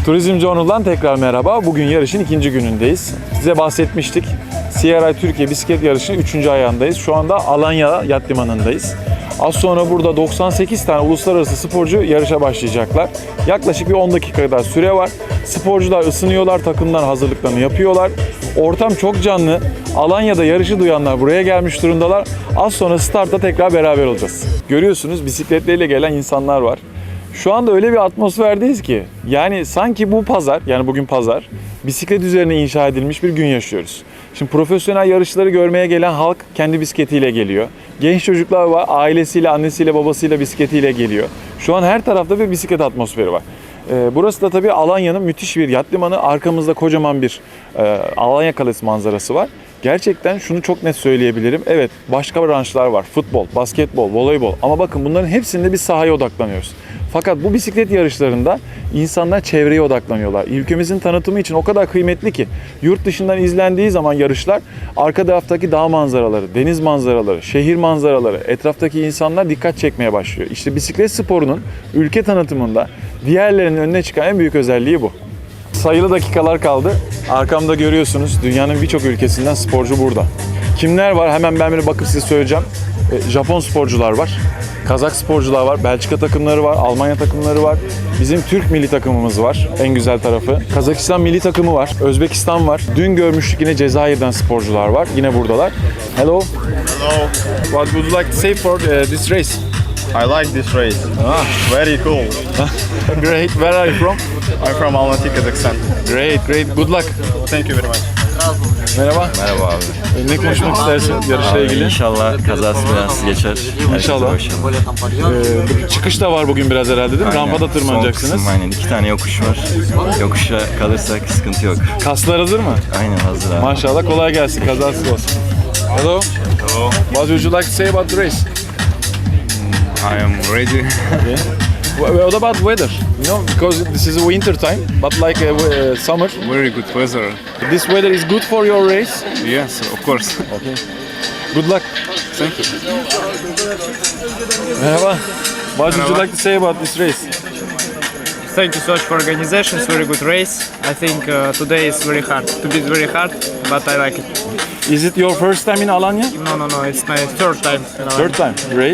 Turizmci Onur'dan tekrar merhaba. Bugün yarışın ikinci günündeyiz. Size bahsetmiştik. CRI Türkiye bisiklet yarışının 3. ayağındayız. Şu anda Alanya Yat Limanı'ndayız. Az sonra burada 98 tane uluslararası sporcu yarışa başlayacaklar. Yaklaşık bir 10 dakika kadar süre var. Sporcular ısınıyorlar, takımlar hazırlıklarını yapıyorlar. Ortam çok canlı. Alanya'da yarışı duyanlar buraya gelmiş durumdalar. Az sonra startta tekrar beraber olacağız. Görüyorsunuz bisikletleriyle gelen insanlar var. Şu anda öyle bir atmosferdeyiz ki yani sanki bu pazar, yani bugün pazar, bisiklet üzerine inşa edilmiş bir gün yaşıyoruz. Şimdi profesyonel yarışları görmeye gelen halk kendi bisikletiyle geliyor. Genç çocuklar var, ailesiyle, annesiyle, babasıyla bisikletiyle geliyor. Şu an her tarafta bir bisiklet atmosferi var. Burası da tabii Alanya'nın müthiş bir yat limanı. Arkamızda kocaman bir Alanya Kalesi manzarası var. Gerçekten şunu çok net söyleyebilirim. Evet, başka branşlar var. Futbol, basketbol, voleybol. Ama bakın bunların hepsinde biz sahaya odaklanıyoruz. Fakat bu bisiklet yarışlarında insanlar çevreye odaklanıyorlar. Ülkemizin tanıtımı için o kadar kıymetli ki yurt dışından izlendiği zaman yarışlar arka taraftaki dağ manzaraları, deniz manzaraları, şehir manzaraları, etraftaki insanlar dikkat çekmeye başlıyor. İşte bisiklet sporunun ülke tanıtımında diğerlerinin önüne çıkan en büyük özelliği bu. Sayılı dakikalar kaldı. Arkamda görüyorsunuz dünyanın birçok ülkesinden sporcu burada. Kimler var? Hemen ben bir bakıp size söyleyeceğim. Japon sporcular var. Kazak sporcular var, Belçika takımları var, Almanya takımları var. Bizim Türk milli takımımız var, en güzel tarafı. Kazakistan milli takımı var, Özbekistan var. Dün görmüştük yine Cezayir'den sporcular var, yine buradalar. Hello. Hello. What would you like to say for this race? I like this race. Very cool. Great. Where are you from? I'm from Almaty, Kazakhstan. Great. Good luck. Thank you very much. Merhaba. Merhaba abi. Ne konuşmak istersin yarışla ilgili? İnşallah kazası belasız geçer. İnşallah. Çıkış da var bugün biraz herhalde değil mi? Rampada tırmanacaksınız. Son kısım, aynen. 2 tane yokuş var. Yokuşa kalırsak sıkıntı yok. Kaslar hazır mı? Aynen hazır abi. Maşallah, kolay gelsin, kazasız olsun. Hello. Hello. What would you like to say about the race? I am ready. What about weather? You know, because this is winter time, but like summer. Very good weather. This weather is good for your race. Yes, of course. Okay. Good luck. Thank you. Merhaba. What would you like to say about this race? Thank you so much for organization. It's very good race. I think today is very hard. To beat very hard, but I like it. Is it your first time in Alanya? No. It's my third time. Third time. Great.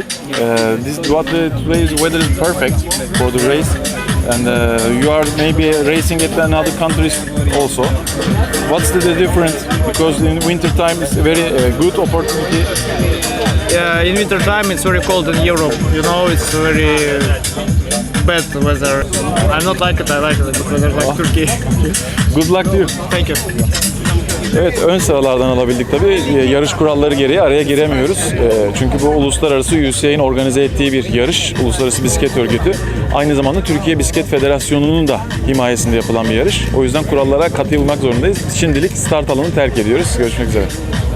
Today's weather is perfect for the race, and you are maybe racing at another countries also. What's the difference? Because in winter time it's a very good opportunity. In winter time, it's very cold in Europe. You know, it's very bad weather. I not like it. I like it because I like Turkey. Good luck to you. Thank you. Evet, ön sıralardan alabildik tabii. Yarış kuralları gereği araya giremiyoruz. Çünkü bu uluslararası UCI'nin organize ettiği bir yarış. Uluslararası Bisiklet Örgütü. Aynı zamanda Türkiye Bisiklet Federasyonu'nun da himayesinde yapılan bir yarış. O yüzden kurallara katılmak zorundayız. Şimdilik start alanını terk ediyoruz. Görüşmek üzere.